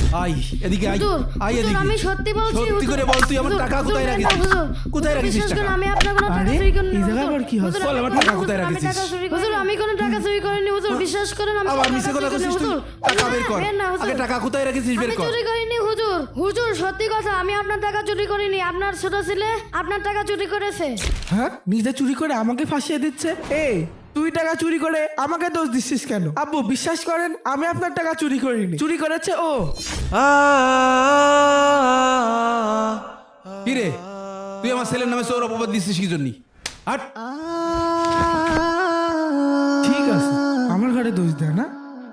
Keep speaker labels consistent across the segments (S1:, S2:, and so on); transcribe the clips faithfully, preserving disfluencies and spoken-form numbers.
S1: I এদিকে I
S2: হুজুর,
S1: I
S2: হুজুর,
S1: এদিকে
S2: আমি সত্যি বলছি
S1: সত্যি
S2: হুজুর।
S1: করে বল তুই আমার
S2: হুজুর,
S1: টাকা
S2: হুজুর,
S1: কোথায়
S2: দেন
S1: রাখিস
S2: না, হুজুর।
S1: কোথায়
S2: হুজুর,
S1: রাখিস
S2: বিশ্বাস করুন,
S1: টাকা
S2: আমি আপনার কোনো টাকা
S3: আরে,
S2: চুরি করিনি
S3: এই
S2: হুজুর।
S3: জায়গায় আবার কি হচ্ছে?
S2: হুজুর,
S1: বল, আমার
S2: আমি
S1: টাকা
S2: কোনো-
S1: কোথায়
S2: আমি
S1: রাখিস?
S2: টাকা চুরি করিনি। হুজুর, আমি কোনো টাকা চুরি করিনি হুজুর, বিশ্বাস করেন আমি
S1: আবার
S2: কোনো
S1: মিছে
S2: টাকা
S1: কথা
S2: চুরি
S1: কইছিস
S2: করিনি,
S1: তুই
S2: হুজুর।
S1: টাকা বের কর
S2: বের না, হুজুর।
S1: আগে টাকা কোথায় রাখিস বের
S2: আমি
S1: কর
S2: চুরি করিনি হুজুর। হুজুর, সত্যি কথা, আমি আপনার টাকা চুরি করিনি। আপনার ছোট ছেলে আপনার টাকা চুরি করেছে।
S3: হ্যাঁ, নিজে চুরি করে আমাকে ফাঁসিয়ে দিচ্ছে। এই তুই টাকা চুরি করে আমাকে দোষ দিচ্ছিস কেন? আব্বু বিশ্বাস করেন, আমি আপনার টাকা চুরি করিনি, চুরি করেছে ও।
S1: কি রে তুই আমার ছেলের নামে সৌর অপবাদ দিচ্ছিস কি জন্য হাট
S3: ঠিক আছে, আমার ঘরে দোষ দেয় না।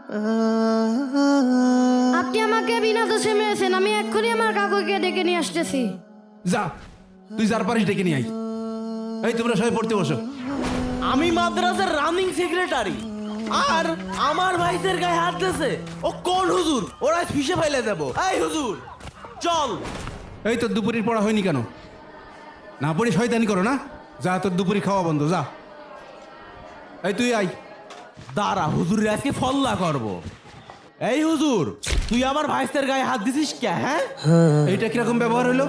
S2: আপনি আমাকে বিনা দোষে মেরেছেন। আমি এক্ষুনি আমার কাকুকে ডেকে নিয়ে আসতেছি।
S1: যা তুই যার পারিস ডেকে নিয়ে আই এই তোমরা সবাই পড়তে বসো
S4: আমি মাদ্রাসার রানিং সেক্রেটারি আর আমার ভাইদের গায়ে হাত দিয়েছে। ও কোন হুজুর? ওরা ফিসে ফেলে দেব। এই হুজুর চল।
S1: এই তোর দুপুরের পড়া হয়নি কেন? না পড়ি শয়তানি করো না? যা তোর দুপুরি খাওয়া বন্ধ যা এই তুই আই
S4: দাঁড়া, হুজুরের আজকে ফল্লা করব। এই হুজুর, তুই আমার ভাইদের গায়ে হাত দিছিস কে? হ্যাঁ,
S1: এইটা কিরকম ব্যবহার হলো?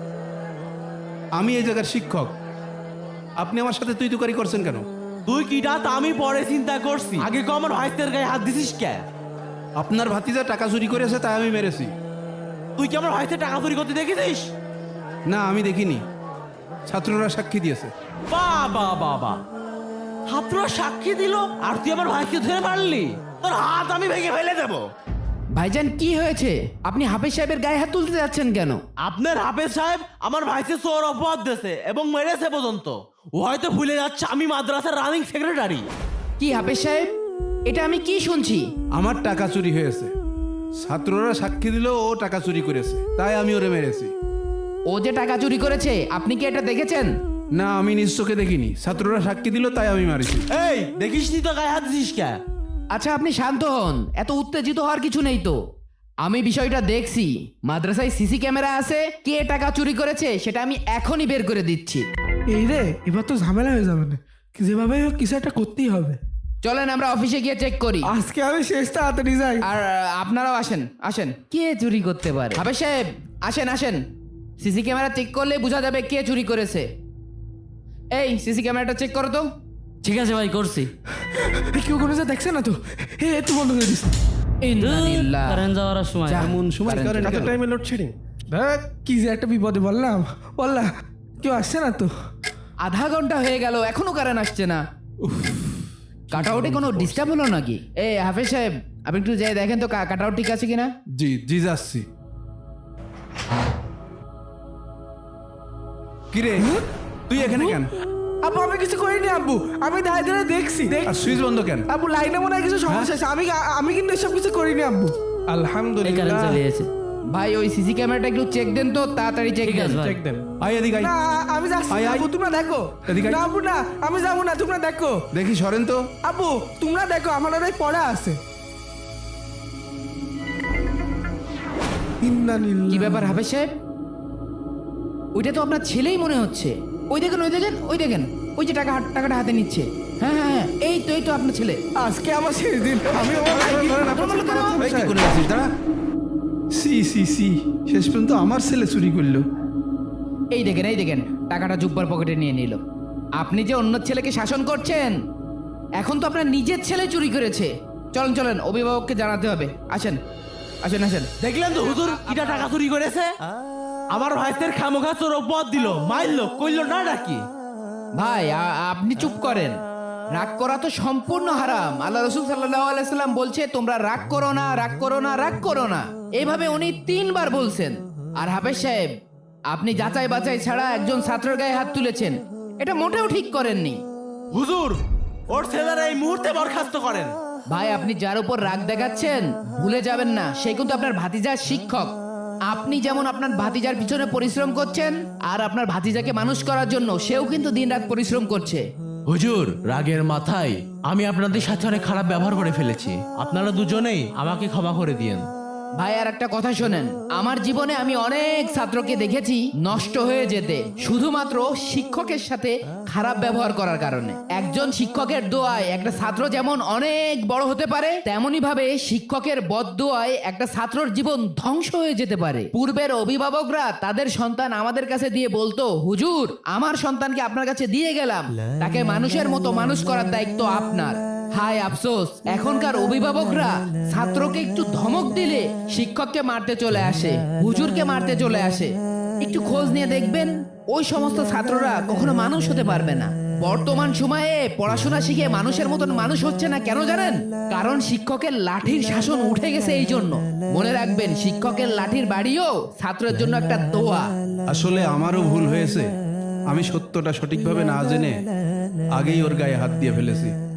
S1: আমি এই জায়গার শিক্ষক, আপনি আমার সাথে তুই তুকারি করছেন কেন?
S4: তুই কিটা তা আমি পরে চিন্তা করছি, আগে কো আমার ভাইদের গায়ে হাত দিছিস কে?
S1: আপনার ভাতিজা টাকা চুরি করেছে তাই আমি মেরেছি।
S4: তুই কি আমার ভাইদের টাকা চুরি করতে দেখেছিস?
S1: না আমি দেখিনি, ছাত্ররা সাক্ষী দিয়েছে।
S4: বাবা বাবা, ছাত্ররা সাক্ষী দিল আর তুই আমার ভাইকে ধরে মারলি? তোর হাত আমি ভেঙে ফেলে দেবো।
S5: ভাইজান কি হয়েছে? আপনি হাফেজ সাহেবের গায়ে হাত তুলতে যাচ্ছেন কেন?
S4: আপনার হাফেজ সাহেব আমার ভাইকে চোর অপবাদ দিয়েছে এবং মেরেছে পর্যন্ত। ও হয়তো ভুলে যাচ্ছে আমি মাদ্রাসার রানিং সেক্রেটারি।
S5: কি হাফেজ সাহেব, এটা আমি কি শুনছি?
S1: আমার টাকা চুরি হয়েছে, ছাত্ররা সাক্ষী দিল ও টাকা চুরি করেছে তাই আমি ওরে মেরেছি।
S5: ও যে টাকা চুরি করেছে আপনি কি এটা দেখেছেন?
S1: না আমি নিজ চোখে দেখিনি, ছাত্ররা সাক্ষী দিল তাই আমি মারিছি।
S4: এই দেখিস নি তো গায়ে হাত দিস কে?
S5: আচ্ছা আপনি শান্ত হন, এত উত্তেজিত হওয়ার কিছু নেই তো। আমি বিষয়টা দেখছি, মাদ্রাসায় সিসি ক্যামেরা আছে, কে টাকা চুরি করেছে সেটা আমি এখনই বের করে দিচ্ছি।
S3: এই রে, এবার তো ঝামেলা হয়ে যাবে না, যেভাবে হোক কিছু একটা করতেই হবে।
S5: চলেন আমরা অফিসে গিয়ে চেক করি।
S3: আজকে আমি শেষ তাড়াতাড়ি যাই।
S5: আর আহ, আপনারাও আসেন আসেন। কে চুরি করতে পারে? হাফেজ সাহেব আসেন আসেন, সিসি ক্যামেরা চেক করলে বোঝা যাবে কে চুরি করেছে। এই সিসি ক্যামেরাটা চেক করো তো।
S6: ঠিক আছে ভাই, করছি।
S3: এই, কেউ কোনো যা দেখছে না তো? হে একটু বন্ধ করে দিস।
S5: ইন্নালিল্লাহ।
S6: কারেন্ট যাওয়ার সময়
S5: যা।
S1: এমন সময়
S5: কারেন্ট
S1: করেন
S3: এত
S1: কেন?
S3: টাইমে লোডশেডিং, দেখ কি যে একটা বিপদে বললাম বললা, কেউ আসছে না তো?
S5: আধা ঘন্টা হয়ে গেল এখনো কারেন্ট আসছে না। কাটাউটে কোনো ডিস্টার্ব হলো নাকি? এ হাফেজ সাহেব আপনি একটু যাই দেখেন তো কাটাউট ঠিক আছে কিনা।
S1: জি জি যাচ্ছি। কিরে তুই এখানে কেন?
S3: আব্বু আমি কিছু করিনি আব্বু, আমি দাঁড়িয়ে দাঁড়িয়ে দেখছি। দেখ
S1: আর সুইচ বন্ধ কেন?
S3: আব্বু লাইনে মনে হয় কিছু সমস্যা আছে, আমি আমি কিন্তু এসব কিছু করিনি আব্বু।
S6: এই কারেন্ট
S3: আলহামদুলিল্লাহ।
S6: চলে গেছে।
S5: ভাই ওই সিসি ক্যামেরাটা একটু চেক দেন তো, তাড়াতাড়ি চেক
S6: ঠিক
S5: দেন।
S6: আছে ভাই।
S3: চেক দেন।
S1: আই এদিকে আই
S3: না আমি যাচ্ছি
S1: আয়,
S3: না,
S1: আয়।
S3: আব্বু তোমরা দেখো।
S1: এদিকে আয়।
S3: না আব্বু না, আমি যাবো না, তোমরা দেখো।
S1: দেখি সরেন তো।
S3: আব্বু তোমরা দেখো, আমার ওরাই পড়া আছে।
S5: কি ব্যাপার হাফেজ সাহেব? ওইটা তো আপনার ছেলেই মনে হচ্ছে। ওই দেখেন ওই দেখেন ওই দেখেন, ওই যে টাকা টাকাটা হাতে নিচ্ছে। হ্যাঁ হ্যাঁ হ্যাঁ, এই তো এই তো আপনার ছেলে।
S3: আজকে আমার শেষ দিন, আমি আমার ভাইকে-
S1: এই কি করে আছিস দাঁড়া। সি সি সি শেষ পর্যন্ত আমার ছেলে চুরি করলো।
S5: এই দেখেন এই দেখেন, টাকাটা জুব্বার পকেটে নিয়ে নিল। আপনি যে অন্য ছেলেকে শাসন করছেন, এখন তো আপনার নিজের ছেলে চুরি করেছে। চলেন চলেন, অভিভাবককে জানাতে হবে। আসেন আসেন আসেন।
S4: দেখলেন তো হুজুর কিটা টাকা চুরি করেছে? আমার ভাইদের খামোখা চোর অপবাদ দিল, মারলো, কইলো না নাকি?
S5: ভাই আ- আপনি চুপ করেন। রাগ করা তো সম্পূর্ণ হারাম। আল্লাহ রসুল সাল্লাল্লাহু আলাইহি সাল্লাম বলছে তোমরা রাগ করো না, রাগ করো না, রাগ করো না। এইভাবে উনি তিনবার বলছেন। আর হাফেজ সাহেব আপনি যাচাই বাছাই ছাড়া একজন ছাত্রের গায়ে হাত তুলেছেন, এটা মোটেও ঠিক করেননি।
S4: হুজুর ওর ছেলেরা এই মুহূর্তে বরখাস্ত করেন।
S5: ভাই আপনি যার উপর রাগ দেখাচ্ছেন ভুলে যাবেন না, সে কিন্তু আপনার ভাতিজার শিক্ষক। আপনি যেমন আপনার ভাতিজার পিছনে পরিশ্রম করছেন, আর আপনার ভাতিজাকে মানুষ করার জন্য সেও কিন্তু দিনরাত পরিশ্রম করছে।
S4: হুজুর রাগের মাথায় আমি আপনাদের সাথে অনেক খারাপ ব্যবহার করে ফেলেছি, আপনারা দুজনেই আমাকে ক্ষমা করে দিয়েন।
S5: ভাই আর একটা কথা শোনেন, আমার জীবনে আমি অনেক ছাত্রকে দেখেছি নষ্ট হয়ে যেতে শুধুমাত্র শিক্ষকের সাথে খারাপ ব্যবহার করার কারণে। একজন শিক্ষকের দোয়ায় একটা ছাত্র যেমন অনেক বড় হতে পারে, তেমনি ভাবে শিক্ষকের বদদোয়ায় একটা ছাত্রর জীবন ধ্বংস হয়ে যেতে পারে। পূর্বের অভিভাবকরা তাদের সন্তান আমাদের কাছে দিয়ে বলতো, হুজুর আমার সন্তানকে আপনার কাছে দিয়ে গেলাম, তাকে মানুষের মতো মানুষ করার দায়িত্ব আপনার। হায় আফসোস, এখনকার অভিভাবকরা ছাত্রকে একটু ধমক দিলে শিক্ষককে মারতে চলে আসে, হুজুরকে মারতে চলে আসে। একটু খোঁজ নিয়ে দেখবেন ওই সমস্ত ছাত্ররা কখনো মানুষ হতে পারবে না। বর্তমান সময়ে পড়াশোনা শিখে মানুষের মতন মানুষ হচ্ছে না, কেন জানেন? কারণ শিক্ষকের লাঠির শাসন উঠে গেছে। এই জন্য মনে রাখবেন, শিক্ষকের লাঠির বাড়িও ছাত্রের জন্য একটা দোয়া।
S1: আসলে আমারও ভুল হয়েছে, আমি সত্যটা সঠিকভাবে না জেনে আগেই ওর গায়ে হাত দিয়ে ফেলেছি।